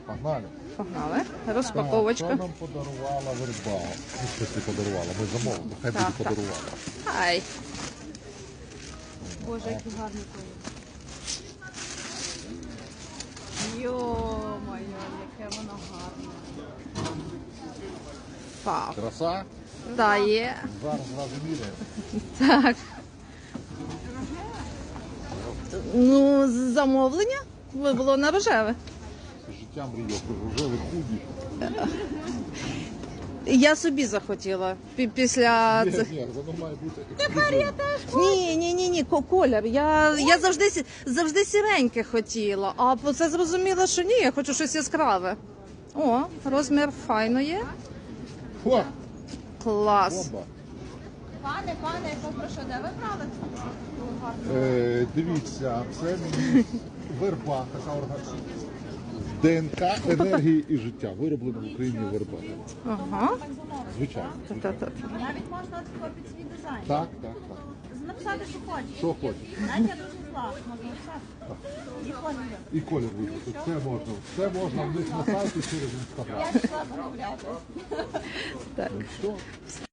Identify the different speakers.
Speaker 1: Погнали.
Speaker 2: Погнали.
Speaker 1: Так,
Speaker 2: Розпаковочка.
Speaker 1: що нам подарувала верба? Ну, в смысле подарувала, ми замовили, хай буде
Speaker 2: Так, так.
Speaker 1: подарувала.
Speaker 2: Ай.
Speaker 3: Боже, який гарний колір. Йо-моє, яке воно гарне.
Speaker 2: Вау.
Speaker 1: Краса?
Speaker 2: Та є.
Speaker 1: Зараз зразу міряємо.
Speaker 2: Так. Ну, замовлення було на рожеве.
Speaker 1: Життя мріяв, рожевий худі.
Speaker 2: Я собі захотіла після
Speaker 1: Ні,
Speaker 2: цих.
Speaker 1: ні, воно має бути ексклюзивно.
Speaker 2: Ні, колір. Я завжди сіреньке хотіла, а це зрозуміла, що ні, я хочу щось яскраве. О, розмір файно є.
Speaker 1: О,
Speaker 2: Клас.
Speaker 1: бомба.
Speaker 3: Пане, я попрошу, де ви брали?
Speaker 1: Дивіться, це мені верба, така організація. ДНК, енергії і життя. Вироблено в Україні верба.
Speaker 2: Ага.
Speaker 1: Звичайно.
Speaker 2: Та-та-та.
Speaker 3: Навіть можна тако під свій дизайн.
Speaker 1: Так.
Speaker 3: Написати, що хочеш.
Speaker 1: Що хочеш.
Speaker 3: Навіть я дуже зла, можна написати. І колір.
Speaker 1: І колір вибрати. Все можна в них на сайті через інстаграм.
Speaker 3: Я пішла замовляти.
Speaker 2: Так.
Speaker 1: Все.